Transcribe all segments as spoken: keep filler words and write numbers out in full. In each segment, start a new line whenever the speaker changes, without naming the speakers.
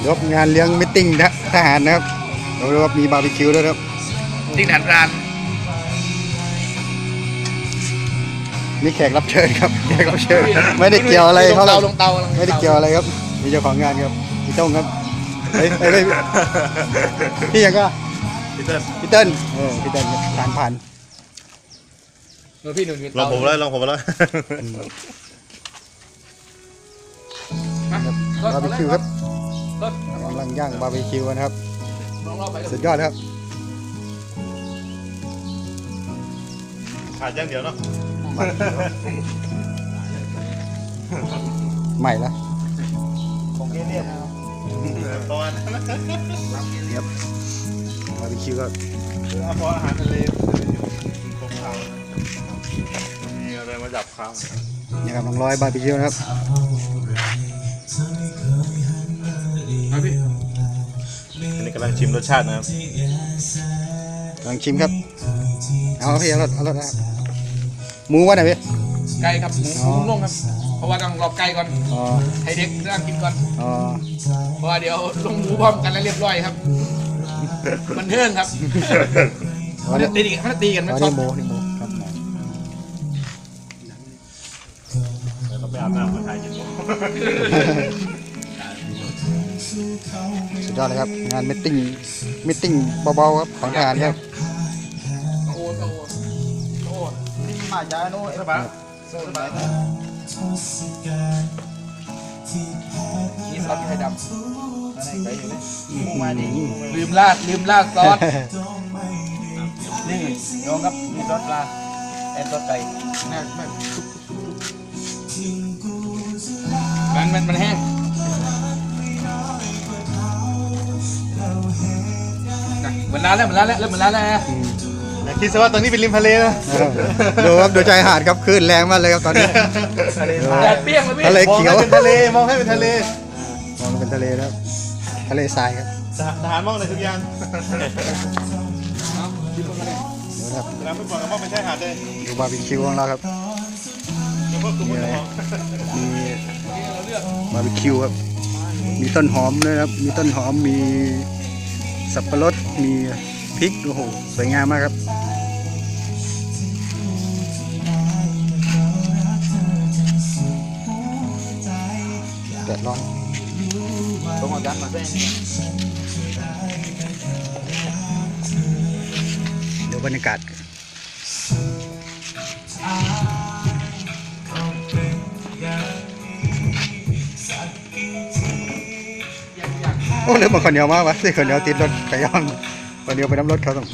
รบงานเลี้ยงมิทติ้งทหารนะครับเราเรียกว่ามีบาร์บีคิวด้วยครับ
ติ้งทหารพราน
มีแขกรับเชิญครับแขกรับเชิญไม่ได้เกี่ยวอะไรเขา
ลงเตาลงเตา
ไม่ได้เกี่ยวอะไรครับมีเจ้าของงานครับพี่ต้งครับเฮ้ยเฮ้ยพี่ยังก็
พี่เติ้ล
พี่เติ้ลเออพี่เติ้ลผ่านผ่าน
เออพี่หนุ่ม
ลองผมแล้วลองผมแล้ว
บาร์บีคิวครับ
รถ
กำลังย่างบาร์บีคิวนะครับ
ลองรอบไป
สุดยอดครับ
ขาดอย่างเดียวเนาะ
ใหม่ละ
ของเกเรียบประมาณนั้น
ครับบาร์บีคิวก็
เอาพออาหารทะเลตรงข้าวมีอะไรมาจับข้าว
นี่ครับน้องร้อยบาร์บีคิวนะครับ
เอาพี่
อันนี้กำลังชิมรสชาตินะครับ
กำลังชิมครับเอาพี่เอารสเอารสนะครับหมูวะไหนพี่
ไก่ครับหมู
อ๋อ
หมูนุ่มครับเพราะว่าต้องรอบไก่ก่อน
อ๋อ
ให้เด็กเรื่องกินก่อน
อ๋อ
เพราะว่าเดี๋ยวลงหมูพร้อมกันแล้วเรียบร้อยครับมันเทิงครับ
อ๋อ
มัน
นี่
จะตีกันมันจะตีกัน
อ๋
ไม่
อ
ชอ
นี่
บ
หมูนี่หมูครับ
แล้วก็ไปอาบน้ำมาถ่ายกินหมู
สุดยอดเลยครับงานมิทติ้งมิทติ้งเบาๆครับของทหารครับ
โอ้โหโอ้โห
มาจ้าโน่เอ็ดบ้าโซ่บ้า
นี่ซอสไข่ด
อะไรไปอยู่เลยมูมาดิ
ำลืมราดลืมราดซอส
นี่น้องครับนี่รสปลาแอนรสไก่
แม่แม่มันมันมันแห้งเหมือนร้านแล้วเหมือนร้านแล้วเริ่มเหมือนร้านแล้วนะ
อย่าคิดซะว่าตรงนี้เป็นริมทะเลนะ
ดูครับดูชายหาดครับคลื่นแรงมากเลยครับตอนนี้
แดดเปรี้ยงเลยพี่
ทะเล
มอง
เขียว
ให้เป็นทะเลมองให้เป็นทะเล
มองเป็นทะเลนะครับทะเลทรายครับ
ทหารมองอะไรทุกอย่าง
ดูนะครับ
เวลาไม่บอกก็มองเป็นชายหาดเลย
ดูบาร์บีคิวของเราครับ
เฉพาะกลุ่มคนท้อง
มีบาร์บีคิวครับมีต้นหอมด้วยครับมีต้นหอมมีสับปะรดมีพริกโอ้โหสวยงามมากครับแดดร้อน
ต้องเอาจานมาด้วย
เดี๋ยวบรรยากาศโอ้เรื่องมันคนเดียวมากวะสิคนเดียวติดรถไก่ย่างคนเดียวไปน้ำรถเขาต้อง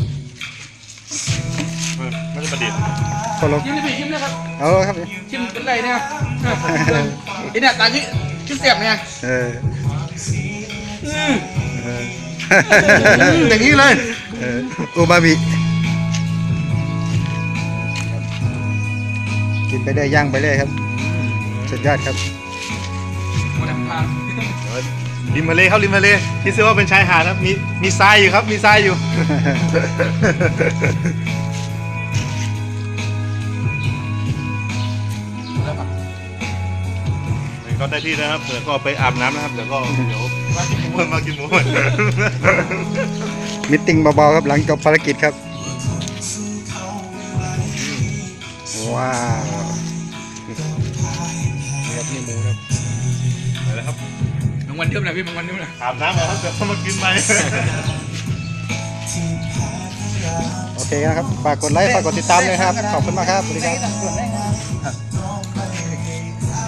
ไม่ได้ประดิษฐ์
คนลง
ชิมเลยพี่ชิมเลยครับ
เอาครับ
ชิมเป็นไรเนี่ยไอ้เนี่ยตาที่ชิมเสียบเนี่ย
เออ
อืม
เออ
อย่างนี้เลย
เอออูมามิกินไปได้ย่างไปเลยครับสุดยอดครับ
หมดน้ำตาล
ริมทะเลครับริมทะเลคิดซะว่าเป็นชายหาดครับมีมีทรายอยู่ครับมีทรายอยู่
แล้วครับ
ก็ได้ที่นะครับเดี๋ยวก็ไปอาบน้ำนะครับเดี๋ยวก็เดี๋ยวมากินหมูมากินหมู
มิทติ้งเบาๆครับหลังจบภารกิจครับว้าวนี่ครับนี่หมูครับ
ไปแล้วครับ
บางวันเดิมนะพี่บางวันเดิมนะ
อาบน้ำแล้วครับเดี๋ยวมากินไป
โอเคนะครับฝากกดไลค์ฝากกดติดตามเลยครับขอบคุณมากครับสวัสดีครับ